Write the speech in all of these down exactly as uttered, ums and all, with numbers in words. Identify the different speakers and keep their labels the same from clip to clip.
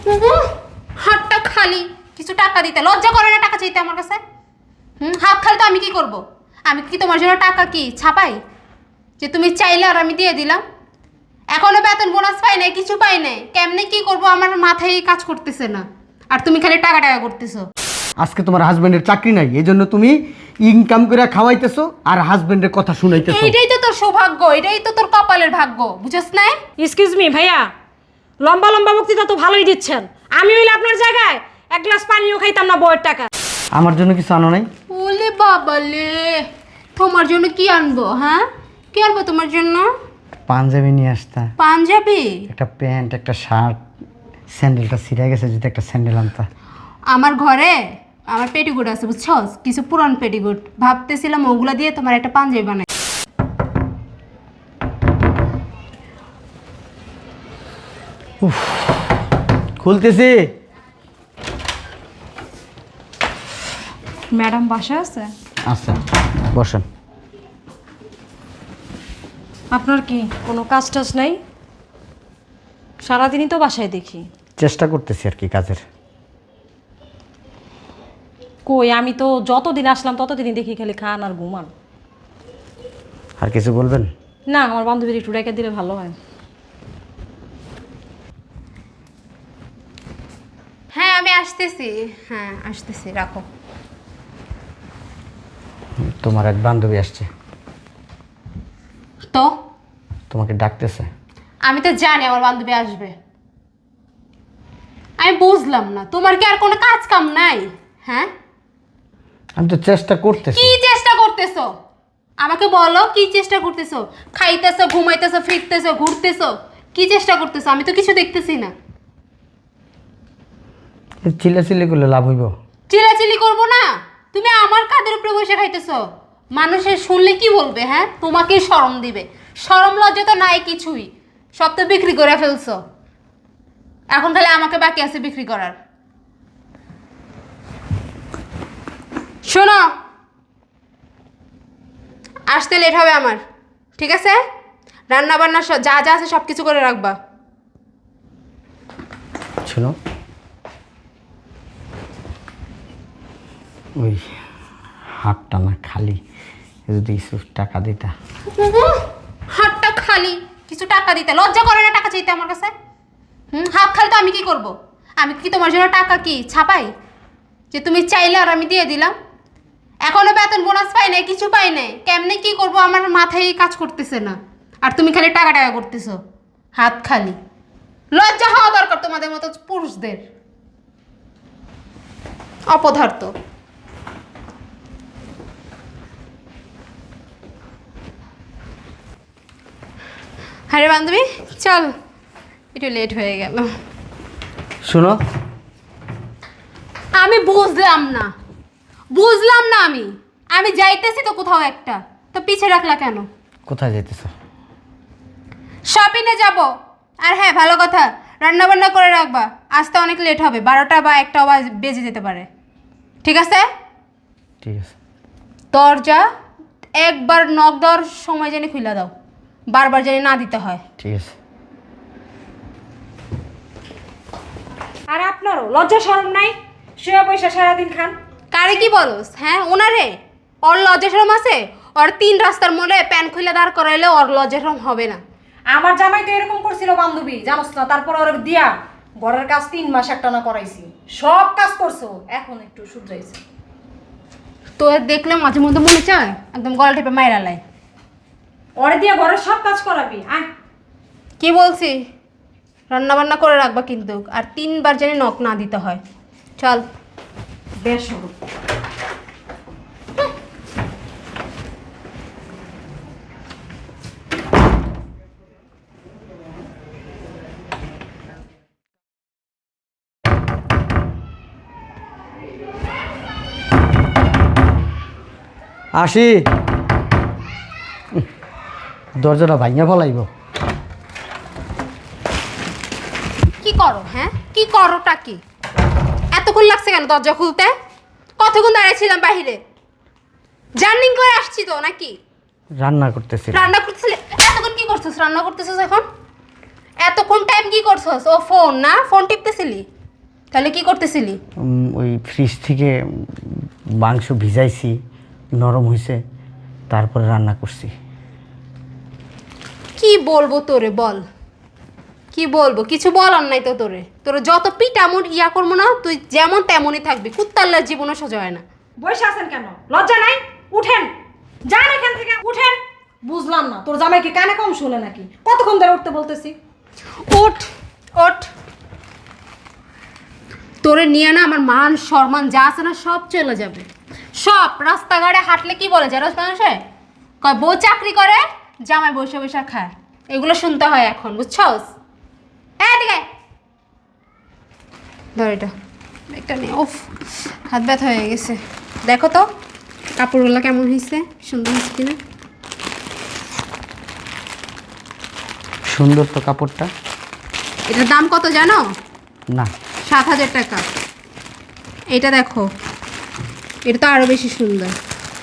Speaker 1: হাতটা খালি, কিছু টাকা দিতে লজ্জা করে না টাকা চাইতে আমার কাছে? হুম, হাত খালি তো আমি কি করব? আমি কি তোমার জন্য টাকা কি ছাপাই যে তুমি চাইলে আর আমি দিয়ে দিলাম? এখনো বেতন বোনাস পাই নাই, কিছু পাই নাই, কেমনে কি করব আমার মাথায় কাজ করতেছে না, আর তুমি খালি টাকা টাকা করতেছো।
Speaker 2: আজকে তোমার হাজবেন্ডের চাকরি নাই, এই জন্য তুমি ইনকাম করে খাওয়াইতেছো আর হাজবেন্ডের কথা শুনাইতেছো।
Speaker 1: এইটাই তো তোর সৌভাগ্য, এটাই তো তোর কপালের ভাগ্য, বুঝছ না?
Speaker 3: এক্সকিউজ মি ভাইয়া, লম্বা লম্বা বক্তৃতা তো ভালোই দিচ্ছেন। আমি হইলে আপনার জায়গায় এক গ্লাস পানিও খাইতাম না বউয়ের টাকা।
Speaker 2: আমার জন্য কিছু আনো নাই?
Speaker 1: ওলে বাবালে, তোমার জন্য কি আনবো? হ্যাঁ, কি আনবো তোমার জন্য?
Speaker 2: পাঞ্জাবি নিয়ে আসতা,
Speaker 1: পাঞ্জাবি,
Speaker 2: একটা প্যান্ট, একটা শার্ট, স্যান্ডেলটা ছিঁড়ে গেছে, যদি একটা স্যান্ডেল আনতা।
Speaker 1: আমার ঘরে আমার পেটিগুট আছে বুঝছো, কিছু পুরান পেটিগুট, ভাবতেছিলাম ওগুলা দিয়ে তোমার একটা পাঞ্জাবি বানাই।
Speaker 2: খুলতেছি।
Speaker 3: ম্যাডাম বাসা আছে?
Speaker 2: আচ্ছা বসেন।
Speaker 3: আপনার কি কোনো কাজ টাজ নাই? সারাদিনই তো বাসায় দেখি।
Speaker 2: চেষ্টা করতেছি আর কি কাজের।
Speaker 3: কই, আমি তো যতদিন আসলাম ততদিনই দেখি খালি খান আর ঘুমান।
Speaker 2: আর কিছু বলবেন?
Speaker 3: না, আমার বান্ধবীর একটু রেখে দিলে ভালো হয়।
Speaker 1: হ্যাঁ আমি আসতেছি, হ্যাঁ আসতেছি, রাখো।
Speaker 2: তোমার এক বান্ধবী আসছে,
Speaker 1: তো
Speaker 2: তোমাকে ডাকতেছে।
Speaker 1: আমি তো জানি আমার বান্ধবী আসবে। আমি বুঝলাম না, তোমার কি আর কোনো কাজ কাম নাই? হ্যাঁ,
Speaker 2: আমি তো চেষ্টা করতেছি।
Speaker 1: কি চেষ্টা করতেছো আমাকে বলো, কি চেষ্টা করতেছো? খাইতেছো, ঘুমাইতেছো, ফিরতেছো, ঘুরতেছো, কি চেষ্টা করতেছো? আমি তো কিছু দেখতেছি না।
Speaker 2: চিল্লাচিল্লি করলে লাভ হইব?
Speaker 1: চিলাচিলি করবো না, তুমি আমার কাঁধের উপরে বসে খাইতেছো, মানুষের শুনলে কি বলবে? হ্যাঁ, তোমাকেই শরম দিবে। শরম লজ্জা তো নাই কিছুই, সব তো বিক্রি করে ফেলছো, এখন খালি আমাকে বাকি আছে বিক্রি করার। শোনো, আসতে লেট হবে আমার, ঠিক আছে? রান্না বান্না যা যা আছে সব কিছু করে রাখবা।
Speaker 2: শোনো, ওই হাতটা না খালি, যদি কিছু টাকা দিতা।
Speaker 1: হাতটা খালি, কিছু টাকা দিতে লজ্জা করে না টাকা চাইতে আমার কাছে? হুম, হাত খালি তো আমি কি করব? আমি কি তোমার জন্য টাকা কি ছাপাই যে তুমি চাইলে আর আমি দিয়ে দিলাম? এখনো বেতন বোনাস পাই নাই, কিছু পাই নাই, কেমনে কি করব আমার মাথায় কাজ করতেছে না, আর তুমি খালি টাকা টাকা করতেছো। হাত খালি, লজ্জা হওয়া দরকার তোমাদের মতো পুরুষদের, অপদার্থ। আরে বান্ধবী চল, একটু লেট হয়ে গেল।
Speaker 2: শোনো,
Speaker 1: আমি বুঝলাম না, বুঝলাম না, আমি আমি যাইতেছি তো কোথাও একটা, তো পিছে রাখলা কেন?
Speaker 2: কোথায় যাইতেছ?
Speaker 1: শপিংয়ে যাব। আর হ্যাঁ, ভালো কথা, রান্না বান্না করে রাখবা, আসতে অনেক লেট হবে, বারোটা বা একটা বেজে যেতে পারে, ঠিক আছে?
Speaker 2: ঠিক আছে।
Speaker 1: দরজা একবার নক দেওয়ার সময় জানি খুলে দাও, বারবার জানি না দিতে হয়।
Speaker 2: ঠিক আছে।
Speaker 3: আর আপনারও লজ্জা শরম নাই? শুয়ে পয়সা সারাদিন খান।
Speaker 1: কারে কি বলোস? হ্যাঁ, ওনারে? ওর লজ্জা শরম আছে? ওর তিন রাস্তার মোড়ে প্যান খুলে দাঁড় করাইলে ওর লজ্জা শরম হবে না?
Speaker 3: আমার জামাই তো এরকম করছিল বান্ধবী, জানোস না? তারপর ওর দিয়া ঘরের কাজ তিন মাস একটা না করাইছি, সব কাজ করছো, এখন একটু শুধরাইছে।
Speaker 1: তো দেখলে মাঝে মধ্যে মনে চায় একদম গলা টিপে মাইরা লাই।
Speaker 3: ওরে দিয়ে ঘরের সব কাজ করাবি? আয়।
Speaker 1: কি বলছি, রান্না বান্না করে রাখবা কিন্তু, আর তিনবার জানি নখ না দিতে হয়। চল।
Speaker 3: বেশ।
Speaker 2: আসি, দরজাটা ভাঙিয়া ফলাইব।
Speaker 1: কি করো? হ্যাঁ, কি করোটা কি? এতক্ষণ লাগছে কেন দরজা খুলতে? কতক্ষণ দাঁড়িয়েছিলাম বাহিরে, জার্নিং করে আসছি তো নাকি?
Speaker 2: রান্না করতেছি।
Speaker 1: রান্না করতেছিলে? এতক্ষণ কি করছিস? রান্না করতেছিস এখন? এতক্ষণ টাইম কি করছস? ও ফোন না, ফোন টিপতেছিলি? তাহলে কি করতেছিলি?
Speaker 2: উম, ওই ফ্রিজ থেকে মাংস ভিজাইছি, নরম হয়েছে, তারপরে রান্না করছি।
Speaker 1: কি বলবো তোরে বল, কি বলবো? কিছু বলার নাই তো তোরে। তোরে যত পিটামুর ইয়া করবো না, তুই যেমন তেমনই থাকবি। কুত্তাল্লার জীবনও সোজা হয় না।
Speaker 3: বসে আছেন কেন? লজ্জা নাই? উঠেন, যান এখান থেকে, উঠেন। বুঝলাম না, তোর জামাই কি কানে কম শুনে নাকি? কতক্ষণ ধরে উঠতে বলতেছি।
Speaker 1: ওঠ ওঠ, তোরে নিয়ে না আমার মান সম্মান যা আছে না সব চলে যাবে। সব রাস্তাঘাটে হাঁটলে কি বলে জানোস মানুষে? কয় বউ চাকরি করে, জামাই বসে বসে খায়। এগুলো শুনতে হয় এখন, বুঝছস? হ্যাঁ ঠিক আছে, ধর এটা, একটা নিয়ে। ওফ, হাত ব্যথা হয়ে গেছে। দেখো তো কাপড়গুলো কেমন হয়েছে, সুন্দর হয়েছে কিনা।
Speaker 2: সুন্দর তো কাপড়টা।
Speaker 1: এটার দাম কত জানো?
Speaker 2: না,
Speaker 1: সাত হাজার টাকা। এটা দেখো, এটা তো আরো বেশি সুন্দর।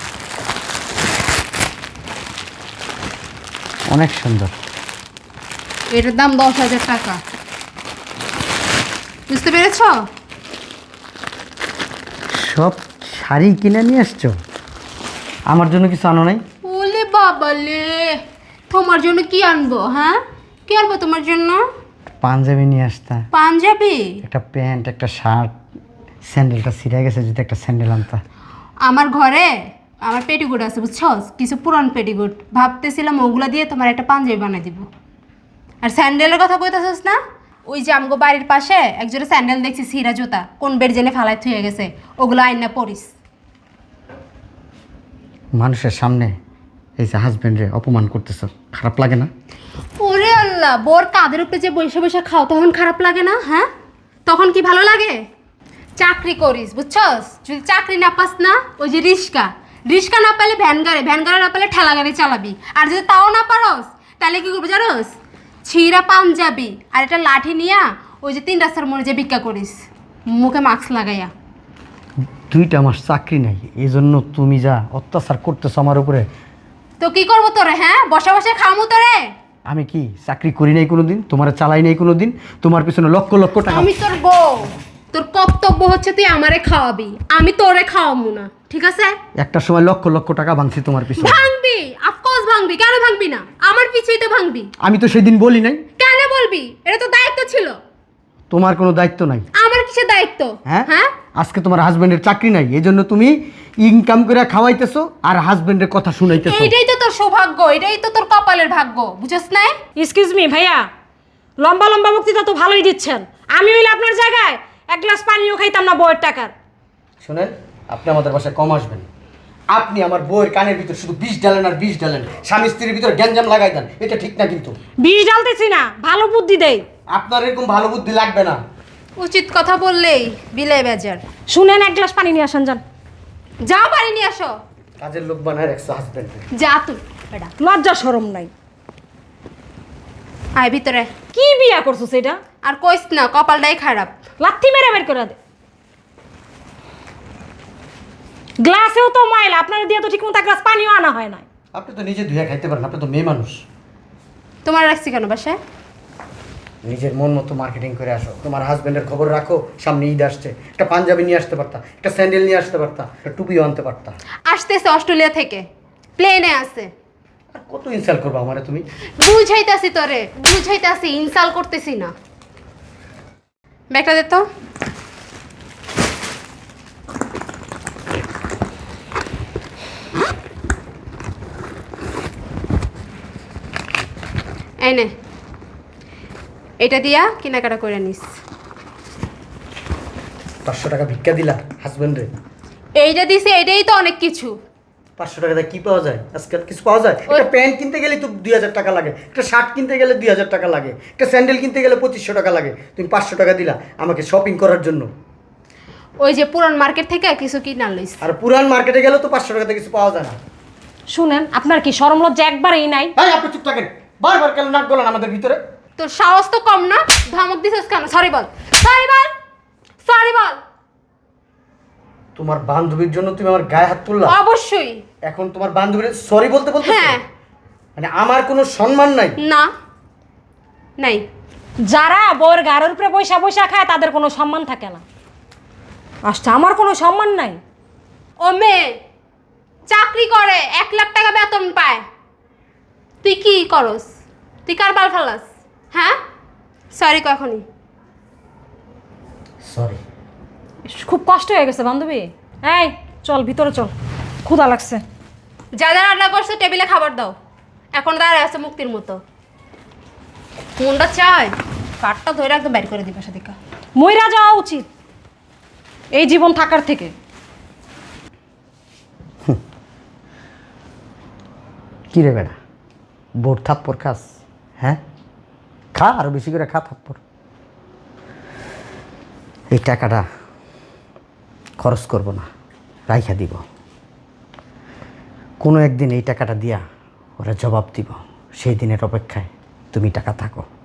Speaker 2: অনেক সুন্দর।
Speaker 1: এটার দাম দশ হাজার টাকা। বুঝতে পেরেছ?
Speaker 2: সব শাড়ি কিনে নিয়ে আসছো, আমার জন্য কিছু আনো নাই?
Speaker 1: ওলে বাবালে, তোমার জন্য কি আনবো? হ্যাঁ, কি আনবো তোমার জন্য?
Speaker 2: পাঞ্জাবি নিয়ে আসতা,
Speaker 1: পাঞ্জাবি?
Speaker 2: একটা প্যান্ট, একটা শার্ট, স্যান্ডেলটা ছিঁড়ে গেছে, যদি একটা স্যান্ডেল আনতা।
Speaker 1: আমার ঘরে আমার পেটিকোট আছে, বুঝছস? কিছু পুরান পেটিকোট, ভাবতেছিলাম ওগুলা দিয়ে তোমার একটা পাঞ্জাবি বানাই দিব। আর স্যান্ডেলের কথা কইতাছস না? ওই যে আমগো বাড়ির পাশে একজোড়া স্যান্ডেল দেখছি, ছিঁড়া জুতা, কোন বেড জেনে ফালাই থুয়ে গেছে, ওগুলো আইনা পরিস।
Speaker 2: মানুষের সামনে এই যে হাজবেন্ডে অপমান করতেছ, খারাপ লাগে না?
Speaker 1: ওরে আল্লাহ, বোর কাঁধের উপরে যে বসে বসে খাও তখন খারাপ লাগে না? হ্যাঁ, তখন কি ভালো লাগে? চাকরি করিস, বুঝছস? যদি চাকরি না পাস না, ওই যে রিস্কা, রিস্কা না পেলে ভ্যান গাড়ি, ভ্যান গাড়ি না পেলে ঠেলা গাড়ি চালাবি। আর যদি তাও না পারস, তাহলে কি করবি জানোস? ছিঁড়া পাঞ্জাবি আর একটা লাঠি নিয়া ওই যে তিন রাস্তার মোড়ে যে ভিক্ষা করিস, মুখে মাস্ক লাগাইয়া।
Speaker 2: দুইটা মাস চাকরি নাই, এই জন্য তুমি যা অত্যাচার করতেছ আমার উপরে।
Speaker 1: তো কি করবো তোরে? হ্যাঁ, বসে বসে খামু তোরে?
Speaker 2: আমি কি চাকরি করি নাই কোনো দিন? তোমার চালাই নাই কোনো দিন? তোমার পিছনে লক্ষ লক্ষ টাকা।
Speaker 1: আমি তোর বউ, তোর কর্তব্য হচ্ছে তুই আমারে খাওয়াবি, আমি তোরে খাওয়াবো না, ঠিক আছে?
Speaker 2: একটা সময় লক্ষ লক্ষ টাকা ভাঙছি তোমার পিছনে।
Speaker 1: ভাঙবি, অফকোর্স ভাঙবি, কেন ভাঙবি না? আমার পিছুই তো ভাঙবি।
Speaker 2: আমি তো সেদিন বলি নাই।
Speaker 1: কেন বলবি? এটা তো দায়িত্ব ছিল।
Speaker 2: তোমার কোনো দায়িত্ব নাই।
Speaker 1: আমার কিসের দায়িত্ব?
Speaker 2: হ্যাঁ,
Speaker 1: হ্যাঁ,
Speaker 2: আজকে তোমার হাজবেন্ডের চাকরি নাই, এই জন্য তুমি ইনকাম করে খাওয়াইতেছো আর হাজবেন্ডের কথা শুনাইতেছো।
Speaker 1: এইটাই তো তোর সৌভাগ্য, এটাই তো তোর কপালের ভাগ্য, বুঝছ না?
Speaker 3: এক্সকিউজ মি ভাইয়া, লম্বা লম্বা বক্তৃতা তো ভালোই দিচ্ছেন। আমি হইলে আপনার জায়গায় এক গ্লাস পানিও খাইতাম না বউয়ের টাকার।
Speaker 2: শুনেন, আপনি আমাদের বাসায় কম আসবেন। আপনি আমার বউয়ের কানের ভিতর শুধু বিষ ডালেন আর বিষ ডালেন, স্বামী স্ত্রীর ভিতর গ্যাঞ্জাম লাগাই দেন, এটা ঠিক না কিন্তু।
Speaker 3: বিষ ডালতেছি না, ভালো বুদ্ধি দেই।
Speaker 2: আপনার এরকম ভালো বুদ্ধি লাগবে না।
Speaker 1: উচিত কথা বললেই বিলাই বেজার।
Speaker 3: শুনেন, এক গ্লাস পানি নিয়ে আসেন, যান।
Speaker 1: যাও, বাড়ি নিয়ে আসো।
Speaker 2: কাজের লোক বানায় রাখছো হাজবেন্ড।
Speaker 1: যা তুই বেটা,
Speaker 3: লজ্জা শরম নাই।
Speaker 1: আয় ভিতরে।
Speaker 3: কি বিয়া করছো সেটা?
Speaker 1: আর কইস না, কপালটাই খারাপ।
Speaker 3: লাথি মেরে বের করে দে। গ্লাসেও তো ময়লা, আপনার দিয়ে তো ঠিক মতো এক গ্লাস পানিও আনা হয় না।
Speaker 2: আপনি তো নিজে ধুয়ে খাইতে পারেন, আপনি তো মেয়ে মানুষ।
Speaker 1: তোমার রাখছি কেন বাসায়?
Speaker 2: নিজের মন মতো মার্কেটিং করে আসো। তোমার হাজবেন্ডের খবর রাখো, সামনে ঈদ আসছে, একটা পাঞ্জাবি নিয়ে আসতে পারতা, একটা স্যান্ডেল নিয়ে আসতে পারতা, একটা টুপিও আনতে পারতা।
Speaker 1: আসতেছে অস্ট্রেলিয়া থেকে, প্লেনে আছে।
Speaker 2: আর কত ইনসাল্ট করবো আমারে তুমি?
Speaker 1: বুঝাইতাছি তোরে, বুঝাইতাছি, ইনসাল করতেছি না। ব্যাগটা দে তো। এই নে, এটা দিয়া কেনাকাটা করে নিস।
Speaker 2: পাঁচশো টাকা ভিক্ষা দিলা হাজবেন্ডে?
Speaker 1: এইটা দিছে, এটাই তো অনেক কিছু।
Speaker 2: পাঁচশো টাকাতে কি পাওয়া যায়? আজকাল কিছু পাওয়া যায়? একটা প্যান্ট কিনতে গেলে তো দুই হাজার টাকা লাগে, একটা শার্ট কিনতে গেলে দুই হাজার টাকা লাগে, একটা স্যান্ডেল কিনতে গেলে পঁচিশশো টাকা লাগে। তুমি পাঁচশো টাকা দিলা আমাকে শপিং করার জন্য।
Speaker 1: ওই যে পুরান মার্কেট থেকে কিছু কিনা লইস।
Speaker 2: আর পুরান মার্কেটে গেলে তো পাঁচশো টাকাতে কিছু পাওয়া যায় না।
Speaker 3: শুনেন, আপনার কি শরম লজ্জা একবারেই নাই?
Speaker 2: ভাই আপনি চুপ থাকেন, বারবার কেন নাক গলান আমাদের ভিতরে?
Speaker 1: তোর সাহস তো কম না, ধমক দিছিস কেন? সরি বল, সরি বল, সরি বল।
Speaker 2: তোমার বান্ধবীর জন্য তুমি আমার গায়ে হাত তুললা?
Speaker 1: অবশ্যই।
Speaker 2: এখন তোমার বান্ধবীর সরি বলতে বলতে
Speaker 1: হ্যাঁ।
Speaker 2: মানে আমার কোনো সম্মান নাই?
Speaker 1: না, নাই।
Speaker 3: যারা বউর গাড়ির উপরে বৈশা বৈশা খায় তাদের কোনো সম্মান থাকে না। আচ্ছা, আমার কোনো সম্মান নাই।
Speaker 1: ও মেয়ে চাকরি করে, এক লাখ টাকা বেতন পায়, তুই কি করস? তুই কার বাল ফালাস? হ্যাঁ, সরি কখনই।
Speaker 2: সরি।
Speaker 3: খুব কষ্ট হয়ে গেছে বান্ধবী। এই চল ভিতরে চল, ক্ষুধা লাগছে।
Speaker 1: যা যা রান্না করছে টেবিলে খাবার দাও। এখন দাঁড়ায় আছে মুক্তির মতো। মনটা চায় কাঠটা ধরে একদম বের করে দিবে সাদিকা।
Speaker 3: মইরা যাওয়া উচিত এই জীবন থাকার থেকে।
Speaker 2: কি রে বেটা, বোর থাপ্পর খাস? হ্যাঁ, খা, আরো বেশি করে খা থাপ্পর। এই টাকাটা খরচ করব না, রাইখা দিব। কোনো একদিন এই টাকাটা দিয়া ওরা জবাব দিব, সেই দিনের অপেক্ষায় তুমি টাকা থাকো।